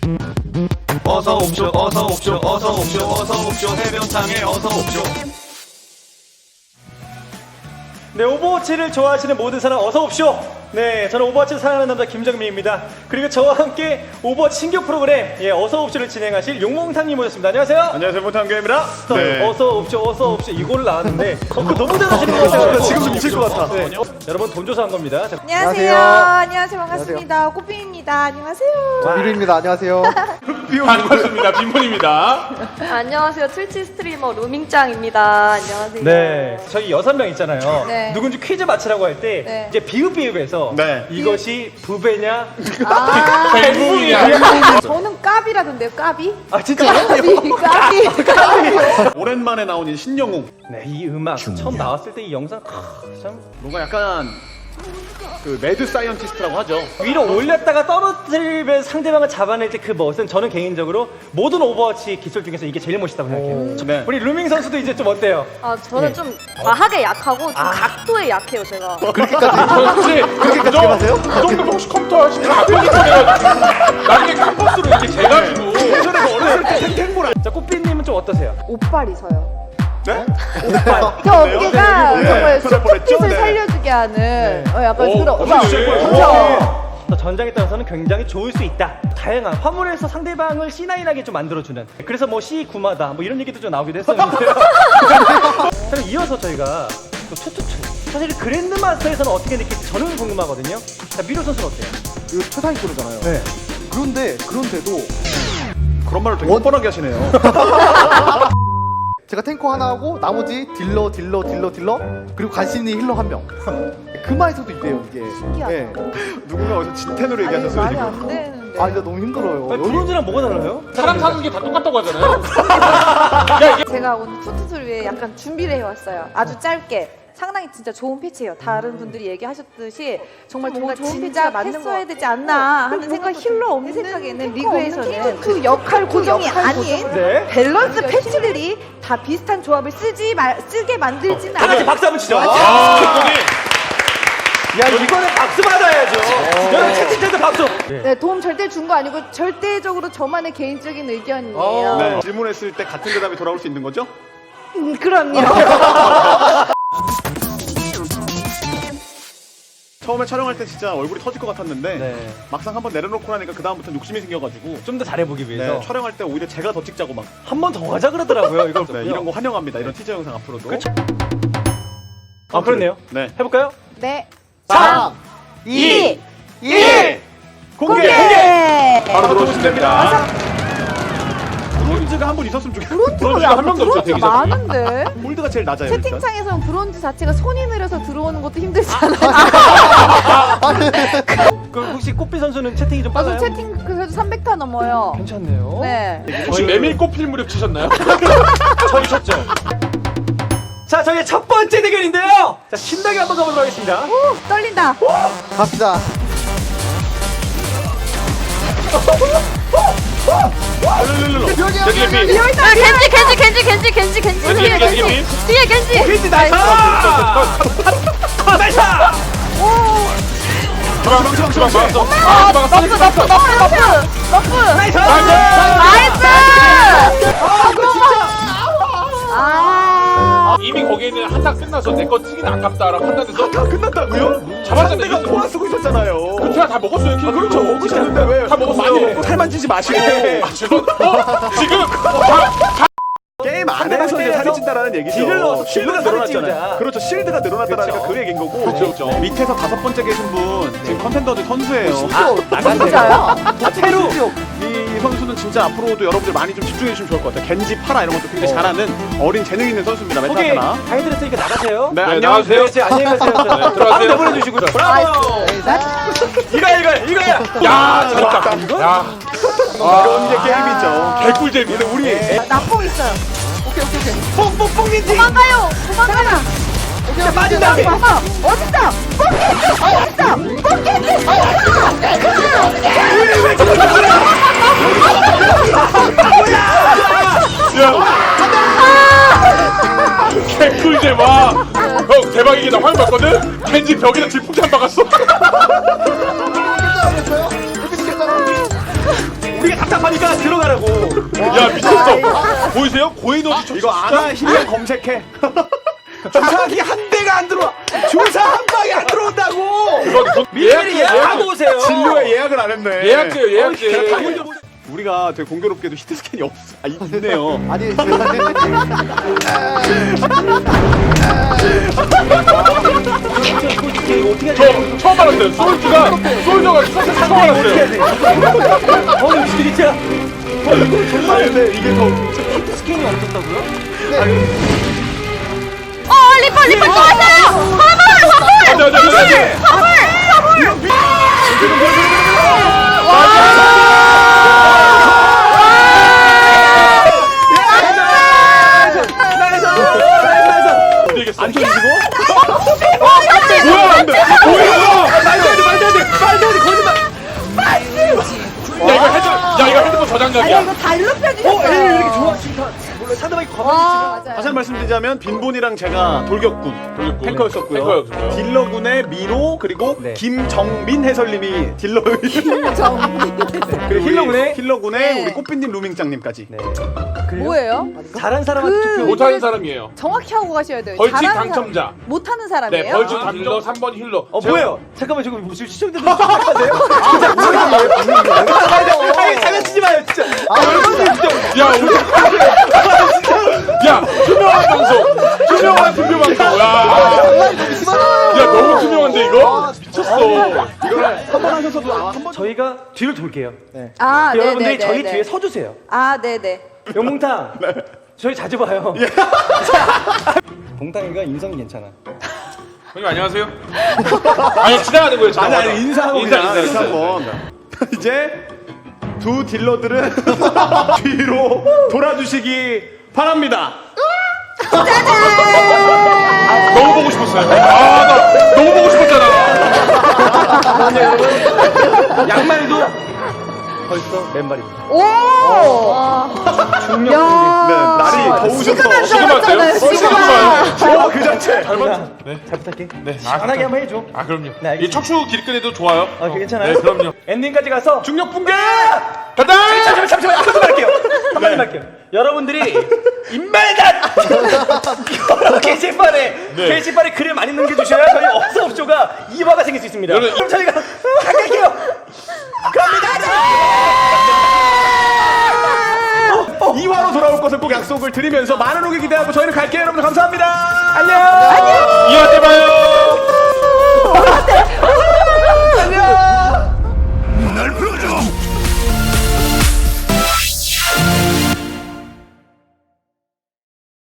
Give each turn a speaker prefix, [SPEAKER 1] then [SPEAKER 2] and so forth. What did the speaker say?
[SPEAKER 1] 어서 옵쇼 어서 옵쇼 어서 옵쇼 어서 옵쇼 해변탕에 어서 옵쇼.
[SPEAKER 2] 네, 오버워치를 좋아하시는 모든 사람 어서 옵쇼. 네, 저는 오버워치를 사랑하는 남자 김정민입니다. 그리고 저와 함께 오버워치 신규 프로그램 어서 옵쇼를 진행하실 용몽탕님 모셨습니다. 안녕하세요.
[SPEAKER 3] 안녕하세요, 몽탕교입니다.
[SPEAKER 2] 네. 어서 옵쇼 이거를 나왔는데 그거 너무 잘하시는 것 같아요.
[SPEAKER 3] 지금 미칠 것 같아.
[SPEAKER 2] 네. 여러분 돈 조사한 겁니다. 자,
[SPEAKER 4] 안녕하세요. 안녕하세요. 반갑습니다. 꽃빈입니다. 안녕하세요.
[SPEAKER 5] 미루입니다. 안녕하세요.
[SPEAKER 3] 반갑습니다. 빈몬입니다.
[SPEAKER 6] 안녕하세요. 트위치 스트리머 루밍짱입니다. 안녕하세요.
[SPEAKER 2] 네, 저희 6명 있잖아요.
[SPEAKER 4] 네.
[SPEAKER 2] 누군지 퀴즈 맞히라고 할 때
[SPEAKER 4] 네.
[SPEAKER 2] 이제 비읍비읍에서
[SPEAKER 3] 네.
[SPEAKER 2] 이것이 부배냐?
[SPEAKER 3] 뱅붕이야.
[SPEAKER 4] 저는 까비라던데요. 까비?
[SPEAKER 2] 아 진짜요?
[SPEAKER 4] 까비.
[SPEAKER 3] 오랜만에 나온 이 신영웅.
[SPEAKER 2] 네, 이 음악 처음 나왔을 때 이 영상 참
[SPEAKER 3] 뭔가 약간 그 매드 사이언티스트라고 하죠.
[SPEAKER 2] 위로 올렸다가 떨어뜨리면 상대방을 잡아낼 때 그 멋은 저는 개인적으로 모든 오버워치 기술 중에서 이게 제일 멋있다고 생각해요.
[SPEAKER 3] 네.
[SPEAKER 2] 우리 루밍 선수도 이제 좀 어때요?
[SPEAKER 6] 아, 저는 좀 과하게 약하고 좀 각도에 약해요, 제가.
[SPEAKER 3] 혹시
[SPEAKER 5] 그렇게까지 해봤어요?
[SPEAKER 3] 그 정도 혹시 컴퓨터 하시면 앞에서 해가지고 나중에 캠퍼스로 이렇게 재가지고 예전에 어렸을 때 탱탱볼
[SPEAKER 2] 자, 꽃비님은 좀 어떠세요?
[SPEAKER 4] 옷빨이서요.
[SPEAKER 3] 네?
[SPEAKER 4] 저 어깨가
[SPEAKER 3] 네.
[SPEAKER 4] 정말
[SPEAKER 3] 그럴 뻔했죠?
[SPEAKER 4] 수트핏을
[SPEAKER 3] 네.
[SPEAKER 4] 살려주게 하는 약간
[SPEAKER 3] 오,
[SPEAKER 4] 그런
[SPEAKER 3] 엄청 좋을 거예요.
[SPEAKER 4] 그렇죠.
[SPEAKER 2] 전장에 따라서는 굉장히 좋을 수 있다. 다양한 화물에서 상대방을 C9하게 좀 만들어주는. 그래서 뭐 C9마다 뭐 이런 얘기도 좀 나오기도 했었는데요. 그럼 이어서 저희가 또 투투투. 사실 그랜드마스터에서는 어떻게 느낄지 저는 궁금하거든요. 자, 미로 선수는 어때요?
[SPEAKER 5] 이거 초상위 프로잖아요.
[SPEAKER 2] 네.
[SPEAKER 5] 그런데도
[SPEAKER 3] 그런 말을 되게 뻔뻔하게 하시네요.
[SPEAKER 5] 제가 탱커 하나 하고 나머지 딜러 그리고 간신히 힐러 한 명. 그마에서도 있대요 이게.
[SPEAKER 4] 신기하다.
[SPEAKER 5] 네.
[SPEAKER 3] 누군가 어디서 진텐으로
[SPEAKER 4] 아니
[SPEAKER 3] 얘기하셨어요.
[SPEAKER 4] 말이
[SPEAKER 3] 지금.
[SPEAKER 4] 안 되는데.
[SPEAKER 5] 아 진짜 너무 힘들어요.
[SPEAKER 2] 아니, 브론즈랑 뭐가 달라요?
[SPEAKER 3] 사람 사는 게 다 똑같다고 하잖아요.
[SPEAKER 4] 제가 오늘 투투투를 위해 약간 준비를 해왔어요. 아주 짧게. 상당히 진짜 좋은 패치예요. 다른 분들이 얘기하셨듯이 정말 뭔가 진짜 했어야 되지 않나 하는 생각. 힐러 없는 생각에는 리그에서는 그 역할 고정이 아닌
[SPEAKER 2] 네.
[SPEAKER 4] 밸런스 패치들이 다 비슷한 조합을 쓰게 만들지는
[SPEAKER 2] 다 같이
[SPEAKER 4] 않아요.
[SPEAKER 2] 박수 한번 치죠.
[SPEAKER 3] 아,
[SPEAKER 2] 야, 이거는 박수 받아야죠. 여러분 채팅창도 박수.
[SPEAKER 4] 네, 도움 절대 준 거 아니고 절대적으로 저만의 개인적인 의견이에요.
[SPEAKER 3] 네. 질문했을 때 같은 대답이 돌아올 수 있는 거죠?
[SPEAKER 4] 그럼요.
[SPEAKER 3] 처음에 촬영할 때 진짜 얼굴이 터질 것 같았는데
[SPEAKER 2] 네.
[SPEAKER 3] 막상 한번 내려놓고 나니까 그 다음부터는 욕심이 생겨가지고
[SPEAKER 2] 좀 더 잘해보기 위해서
[SPEAKER 3] 네, 촬영할 때 오히려 제가 더 찍자고 막
[SPEAKER 2] 한 번 더 하자 그러더라고요. 이걸
[SPEAKER 3] 네, 이런 거 환영합니다. 이런 티저 영상 앞으로도.
[SPEAKER 2] 그쵸. 아, 그렇네요.
[SPEAKER 3] 네.
[SPEAKER 2] 해볼까요?
[SPEAKER 4] 네.
[SPEAKER 5] 3,
[SPEAKER 4] 2,
[SPEAKER 5] 1.
[SPEAKER 2] 공개!
[SPEAKER 3] 바로 들어오시면 됩니다. 브론즈가 한 분 있었으면 좋겠어요. 브론즈가 한 명도 없죠.
[SPEAKER 4] 브론즈
[SPEAKER 3] 대기자.
[SPEAKER 4] 많은데.
[SPEAKER 3] 골드가 제일 낮아요. 일단.
[SPEAKER 4] 채팅창에서는 브론즈 자체가 손이 느려서 들어오는 것도 힘들잖아요.
[SPEAKER 2] 그 혹시 꽃비 선수는 채팅이 좀 빨라요?
[SPEAKER 4] 저도 채팅 그래도 300타 넘어요.
[SPEAKER 2] 괜찮네요.
[SPEAKER 4] 네.
[SPEAKER 3] 혹시 메밀꽃 필무렵 치셨나요?
[SPEAKER 2] 저희 쳤죠. 자, 저희의 첫 번째 대결인데요. 자, 신나게 한번 가보도록 하겠습니다.
[SPEAKER 4] 오, 떨린다.
[SPEAKER 5] 갑시다.
[SPEAKER 3] 여기 비.
[SPEAKER 6] 아, 겐지. 뒤에 겐지.
[SPEAKER 2] 퀴즈 나이스! 나이스!
[SPEAKER 6] 너프.
[SPEAKER 2] 나이스!
[SPEAKER 6] 나이스.
[SPEAKER 4] 아.
[SPEAKER 7] 이미 거기에 있는 한타 끝나서 내 거 튀기는 아깝다라고 판단해서
[SPEAKER 3] 다 끝났다고요?
[SPEAKER 7] 잡았잖아요.
[SPEAKER 3] 내가 포화 쓰고 있었잖아요.
[SPEAKER 7] 제가 다 먹었어요.
[SPEAKER 3] 아, 그렇죠. 먹으셨는데 왜?
[SPEAKER 7] 다 먹었어요.
[SPEAKER 3] 많이 먹고 살 만지지 마시고.
[SPEAKER 7] 아, 죄송. 지금
[SPEAKER 3] 게임 안에서 이제 살이 찐다라는 얘기죠.
[SPEAKER 2] 딜을 넣어서
[SPEAKER 3] 실드가
[SPEAKER 2] 살을
[SPEAKER 3] 늘어났잖아요.
[SPEAKER 2] 찌우자.
[SPEAKER 3] 그렇죠. 실드가 늘어났다라니까
[SPEAKER 2] 그렇죠.
[SPEAKER 3] 그 얘기인 거고.
[SPEAKER 7] 그렇죠.
[SPEAKER 3] 밑에서 5번째 계신 분 지금 컨텐더들 선수예요.
[SPEAKER 4] 진짜요?
[SPEAKER 2] 테루!
[SPEAKER 3] 이 선수는 진짜 앞으로도 여러분들 많이 좀 집중해 주시면 좋을 것 같아요. 겐지, 파라 이런 것도 굉장히 잘하는 어린 재능 있는 선수입니다.
[SPEAKER 2] 소개
[SPEAKER 3] 메타하나.
[SPEAKER 2] 다 해드렸으니까 나가세요.
[SPEAKER 3] 네,
[SPEAKER 7] 네,
[SPEAKER 3] 안녕하세요.
[SPEAKER 7] 나가세요.
[SPEAKER 2] 안녕히 가세요.
[SPEAKER 7] 들어가세요.
[SPEAKER 2] 한번 보내주시고. 브라보! 이거야!
[SPEAKER 7] 야, 잘했다. 야,
[SPEAKER 3] 이런 게 게임이죠.
[SPEAKER 7] 개꿀잼.
[SPEAKER 3] 근데 우리
[SPEAKER 4] 나뽕 있어요.
[SPEAKER 2] 뽕뽕뽕인지!
[SPEAKER 4] 도망가요. 도망가라.
[SPEAKER 2] 자, 빠진다!
[SPEAKER 4] 어딨어?
[SPEAKER 7] 개꿀잼. 와. 형 대박이게 나 화면 봤거든. 겐지 벽에다 질풍참 박았어.
[SPEAKER 2] 우리가 답답 들어가라고.
[SPEAKER 7] 야 미쳤어. 보이세요? 고에너지 초
[SPEAKER 3] 이거 아나 힐링 검색해. 주사기 한 대가 안 들어와. 주사 한 방이 안 들어온다고.
[SPEAKER 2] 미리 예약하고 오세요.
[SPEAKER 3] 진료에 예약을 안 했네.
[SPEAKER 7] 예약제요 예약제.
[SPEAKER 3] 우리가 되게 공교롭게도 히트 스캔이 없어. 아, 있네요.
[SPEAKER 5] 아니
[SPEAKER 7] 저 처음 알았어요. 솔저가 처음 알았어요.
[SPEAKER 2] 오늘 진짜
[SPEAKER 3] 정말 근데 이게 더
[SPEAKER 2] 스캔이 없었다고요?
[SPEAKER 6] 리퍼 또 왔어요.
[SPEAKER 3] 안 터지고? 뭐야 안 돼. 뭐야?
[SPEAKER 7] 야 이거 핸드폰 저장각이야.
[SPEAKER 4] 이거 다 일로 펴주셨어요.
[SPEAKER 2] 이렇게 좋아 지금 몰라 상대방이 가만히 있으면
[SPEAKER 3] 다시 한 말씀드리자면 빈본이랑 제가 돌격군 탱커였었고요.
[SPEAKER 7] 탱커였고요.
[SPEAKER 3] 딜러군의 미로 그리고
[SPEAKER 2] 네.
[SPEAKER 3] 김정민 해설님이 딜러. 그리고 힐러군의
[SPEAKER 4] 네.
[SPEAKER 3] 우리 꽃빈님 루밍짱님까지.
[SPEAKER 2] 네.
[SPEAKER 4] 뭐예요?
[SPEAKER 2] 잘한 사람한테 투표.
[SPEAKER 7] 못하는 사람이에요.
[SPEAKER 4] 정확히 하고 가셔야 돼요.
[SPEAKER 7] 벌칙
[SPEAKER 4] 잘하는
[SPEAKER 7] 당첨자.
[SPEAKER 4] 사람, 못하는 사람이에요?
[SPEAKER 7] 네 벌칙 힐러 3번 힐러.
[SPEAKER 2] 뭐예요? 잠깐만 지금 무슨 시청자들 생각하세요? 진짜 뭐예요? 아니 장난치지 마요 진짜.
[SPEAKER 7] 야 우리 야 투명한 방송. 투명한 투표 방송. 야 너무 투명한데 이거? 미쳤어.
[SPEAKER 3] 이거를 한 번 하셔서도 한 번.
[SPEAKER 2] 저희가 뒤를 돌게요.
[SPEAKER 4] 아,
[SPEAKER 2] 여러분들이
[SPEAKER 4] 네네네.
[SPEAKER 2] 저희 뒤에 서주세요.
[SPEAKER 4] 아, 네네.
[SPEAKER 2] 영몽탕. 저희 자주 봐요. 봉탕이가 인성이 괜찮아.
[SPEAKER 7] 형님 안녕하세요. 아니 지나가는 거예요.
[SPEAKER 3] 아니 인사하고
[SPEAKER 7] 인사
[SPEAKER 3] 인사 한번. 이제 두 딜러들은 뒤로 돌아주시기 바랍니다.
[SPEAKER 7] 너무 보고 싶었어요. 나 너무 보고 싶었잖아.
[SPEAKER 2] 양말도 벌써 맨발입니다.
[SPEAKER 4] 오!
[SPEAKER 2] 중력
[SPEAKER 3] 네, 날이 더우셔서
[SPEAKER 7] 시그마세요? 시그마요.
[SPEAKER 3] 그 자체.
[SPEAKER 2] 잘 부탁해.
[SPEAKER 7] 네.
[SPEAKER 2] 시원하게 한번 해줘.
[SPEAKER 7] 아 그럼요.
[SPEAKER 2] 네, 알겠습니다.
[SPEAKER 7] 이 척추 길끈에도 좋아요.
[SPEAKER 2] 아, 괜찮아요?
[SPEAKER 7] 네 그럼요.
[SPEAKER 2] 엔딩까지 가서
[SPEAKER 3] 중력 붕괴.
[SPEAKER 7] 간다.
[SPEAKER 2] 잠시만 한마디 할게요. 한마디 할게요. 여러분들이 인말단 여러 게시판에 글을 많이 남겨주셔야 저희 어서옵쇼가 2화가 생길 수 있습니다.
[SPEAKER 7] 여러분,
[SPEAKER 2] 그럼 저희가 갈게요. 갑니다.
[SPEAKER 3] 2화로 돌아올 것을 꼭 약속을 드리면서 많은 오기 기대하고 저희는 갈게요. 여러분들 감사합니다. 안녕.
[SPEAKER 7] 2화 때 봐요.